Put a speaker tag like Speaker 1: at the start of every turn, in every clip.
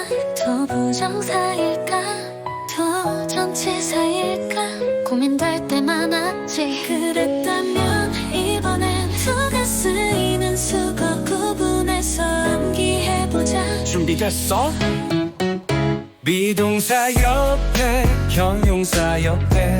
Speaker 1: 더 부정사일까 도전치사일까 고민될 때 많았지. 그랬다면 이번엔 수가 쓰이는 수거 구분해서 암기해보자.
Speaker 2: 준비됐어? 비동사 옆에 형용사 옆에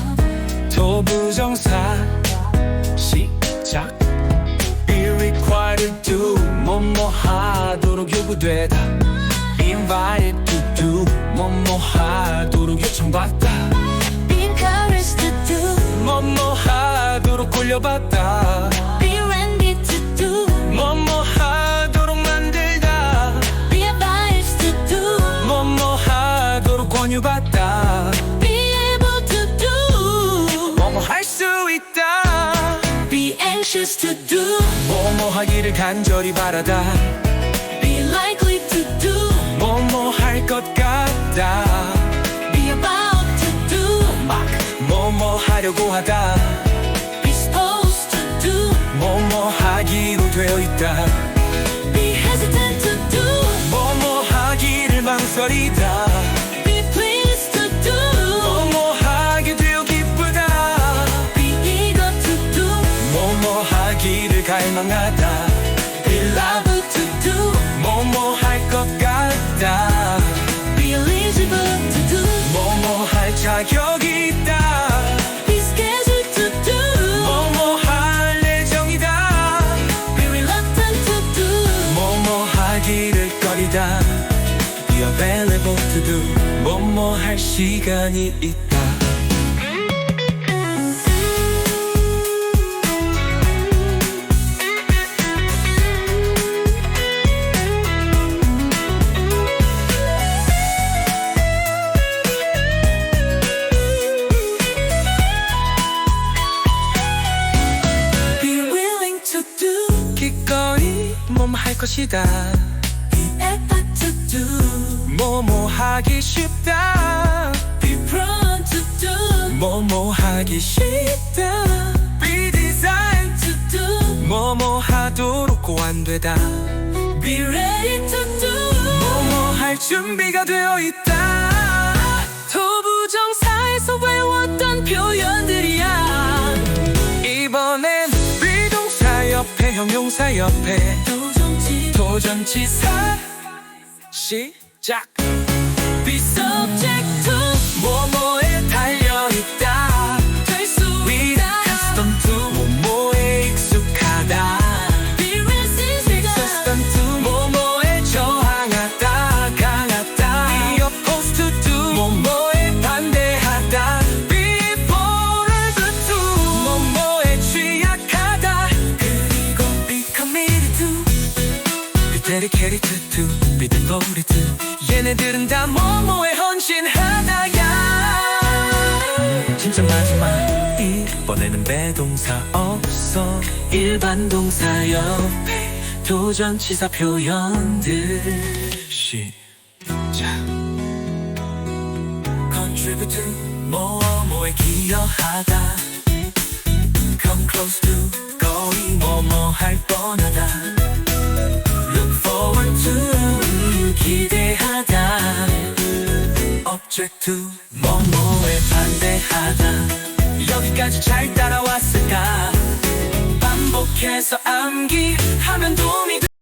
Speaker 2: 도부정사 시작. Be required to 뭐뭐 하도록 요구되다. Be invited to do 뭐뭐 하도록 요청받다.
Speaker 1: Be encouraged to do
Speaker 2: 뭐뭐 하도록 꼴려봤다.
Speaker 1: Be ready to do
Speaker 2: 뭐뭐 하도록 만들다.
Speaker 1: Be advised to do
Speaker 2: 뭐뭐 하도록 권유받다.
Speaker 1: Be able to do
Speaker 2: 뭐뭐 할 수 있다.
Speaker 1: Be anxious to do
Speaker 2: 뭐뭐 하기를 간절히 바라다.
Speaker 1: Be likely to do
Speaker 2: 뭐뭐 할 것 같다.
Speaker 1: Be about to do
Speaker 2: 막 뭐뭐 하려고 하다.
Speaker 1: Be supposed to do
Speaker 2: 뭐뭐 하기로 되어 있다.
Speaker 1: Be hesitant to do
Speaker 2: 뭐뭐 하기를 망설이다.
Speaker 1: Be pleased to do
Speaker 2: 뭐뭐 하게 되어 기쁘다.
Speaker 1: Be eager to do
Speaker 2: 뭐뭐 하기를 갈망하다.
Speaker 1: Be liable to do
Speaker 2: 뭐뭐 할 것 같다.
Speaker 1: Be eligible to do
Speaker 2: 뭐뭐 할 자격이 있다.
Speaker 1: Be scheduled to do
Speaker 2: 뭐뭐 할 예정이다.
Speaker 1: Be reluctant to do
Speaker 2: 뭐뭐 하기를 꺼리다. Be available to do 뭐뭐 할 시간이 있다.
Speaker 1: Be willing to do
Speaker 2: 기꺼이 뭐뭐 할 것이다.
Speaker 1: Be effort to do
Speaker 2: 뭐뭐 하기 쉽다.
Speaker 1: Be prone to do
Speaker 2: 뭐뭐 하기 쉽다. Be designed
Speaker 1: to do
Speaker 2: 뭐뭐 하도록 고안되다.
Speaker 1: Be ready to do
Speaker 2: 뭐뭐 할 준비가 되어 있다.
Speaker 1: 도부정사에서 외웠던 표현들이야.
Speaker 2: 이번엔 비동사 옆에 형용사 옆에 도전치사 시작.
Speaker 1: Be subject to
Speaker 2: 뭐뭐에 달려있다.
Speaker 1: 될 수
Speaker 2: Be
Speaker 1: 있다.
Speaker 2: custom to 뭐뭐에 익숙하다.
Speaker 1: Be resistant
Speaker 2: Resistant to 뭐뭐에 저항하다. 강하다. Be opposed to do 뭐뭐에 반대하다. Be forever to 뭐뭐에 취약하다. 그리고 be committed to be dedicated to be devoted to 얘네들은 다 뭐뭐에 헌신하다야. 진짜 마지막 이번에는 배동사 없어. 일반 동사 옆에 도전치사 표현들 시작. Contribute to 뭐뭐에 기여하다. Come close to 거의 뭐뭐 할 뻔하다. Look forward to 기대하다. Object to 뭐뭐에 반대하다. 여기까지 잘 따라왔을까? 반복해서 암기하면 도움이 돼.